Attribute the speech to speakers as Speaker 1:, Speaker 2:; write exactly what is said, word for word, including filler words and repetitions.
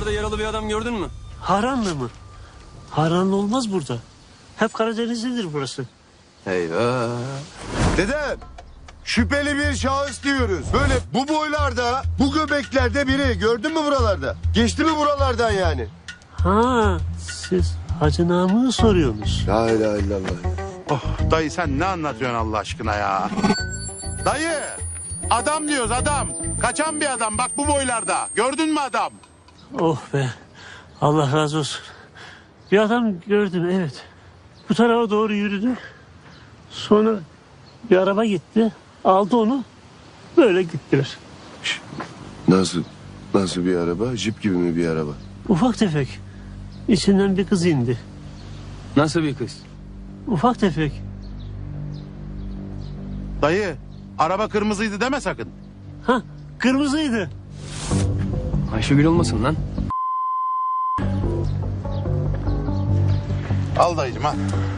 Speaker 1: buralarda yaralı bir adam gördün mü?
Speaker 2: Haranlı mı? Haranlı olmaz burada. Hep Karadenizlidir burası.
Speaker 1: Eyvah.
Speaker 3: Dedem, şüpheli bir şahıs diyoruz. Böyle bu boylarda, bu göbeklerde biri. Gördün mü buralarda? Geçti mi buralardan yani?
Speaker 2: Ha, siz Hacı Namık'ı soruyorsunuz.
Speaker 3: La ilahe illallah.
Speaker 4: Oh, dayı sen ne anlatıyorsun Allah aşkına ya? Dayı, adam diyoruz adam. Kaçan bir adam bak bu boylarda. Gördün mü adam?
Speaker 2: Oh be, Allah razı olsun. Bir adam gördüm, evet. Bu tarafa doğru yürüdü. Sonra bir araba gitti, aldı onu. Böyle gittiler.
Speaker 3: Nasıl? Nasıl bir araba? Jip gibi mi bir araba?
Speaker 2: Ufak tefek. İçinden bir kız indi.
Speaker 1: Nasıl bir kız?
Speaker 2: Ufak tefek.
Speaker 4: Dayı, araba kırmızıydı deme sakın.
Speaker 2: Ha, kırmızıydı.
Speaker 1: Ayşegül olmasın lan.
Speaker 4: Al dayıcım al.